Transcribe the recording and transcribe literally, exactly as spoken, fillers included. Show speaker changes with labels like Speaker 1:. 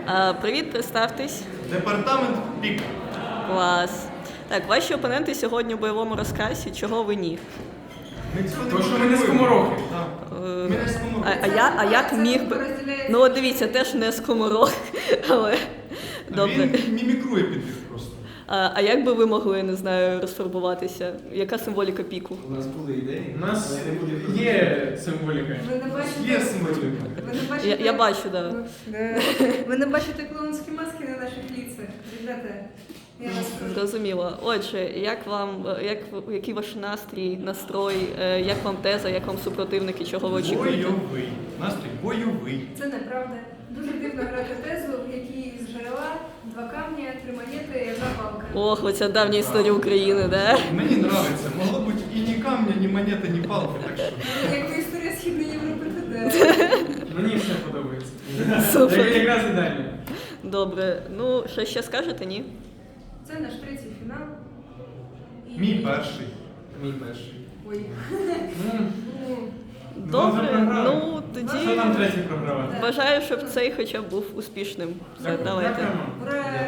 Speaker 1: А, привіт, представтесь.
Speaker 2: Департамент ПІК.
Speaker 1: Клас. Так, ваші опоненти сьогодні у бойовому розказі. Чого ви ні?
Speaker 2: Ми цього
Speaker 3: То, що ми не
Speaker 2: потребуємо.
Speaker 3: скоморохи.
Speaker 2: Так.
Speaker 1: Е,
Speaker 2: Ми не скоморохи.
Speaker 1: А, а, я, а як міг би. Ну, от дивіться, теж не скоморох, але добре.
Speaker 2: Він мімікрує під них просто.
Speaker 1: А, а як би ви могли, не знаю, розфарбуватися? Яка символіка піку?
Speaker 4: У нас були ідеї.
Speaker 3: У нас
Speaker 4: але не буде
Speaker 3: є символіка.
Speaker 5: Ви не бачите,
Speaker 2: Є символіка.
Speaker 5: ви не бачите,
Speaker 1: Я, я бачу, так. Да.
Speaker 5: Да. Ви не бачите клоунські маски на наших ліцах. Ребята, я вас прошу.
Speaker 1: Зрозуміло. Отже, як вам, як, який ваш настрій, настрой, е, як вам теза, як вам супротивники, чого ви очікуєте?
Speaker 2: Бойовий. Настрій бойовий.
Speaker 5: Це неправда. Дуже дивно грати тезу, в якій з джерела два камні, три монети і одна палка.
Speaker 1: Ох, оця давня історія України, да?
Speaker 2: Мені подобається. Могло бути і ні камня, ні монети, ні палки, так що.
Speaker 5: Як історія Східної Європи туди.
Speaker 3: Мені все подобається.
Speaker 1: Супер.
Speaker 3: Це якраз ідеально.
Speaker 1: Добре. Ну, що ще скажете, ні?
Speaker 5: Це наш третій фінал. І-
Speaker 2: Мій перший.
Speaker 4: мій перший.
Speaker 5: Ой.
Speaker 3: Ну,
Speaker 5: Ну,
Speaker 3: Два вже
Speaker 1: Добре,
Speaker 3: програли.
Speaker 1: ну тоді
Speaker 3: що там третій програвати?
Speaker 1: бажаю, щоб цей хоча б був успішним. Все,
Speaker 3: Дякую.
Speaker 1: давайте.
Speaker 3: Дякуємо.
Speaker 5: ура!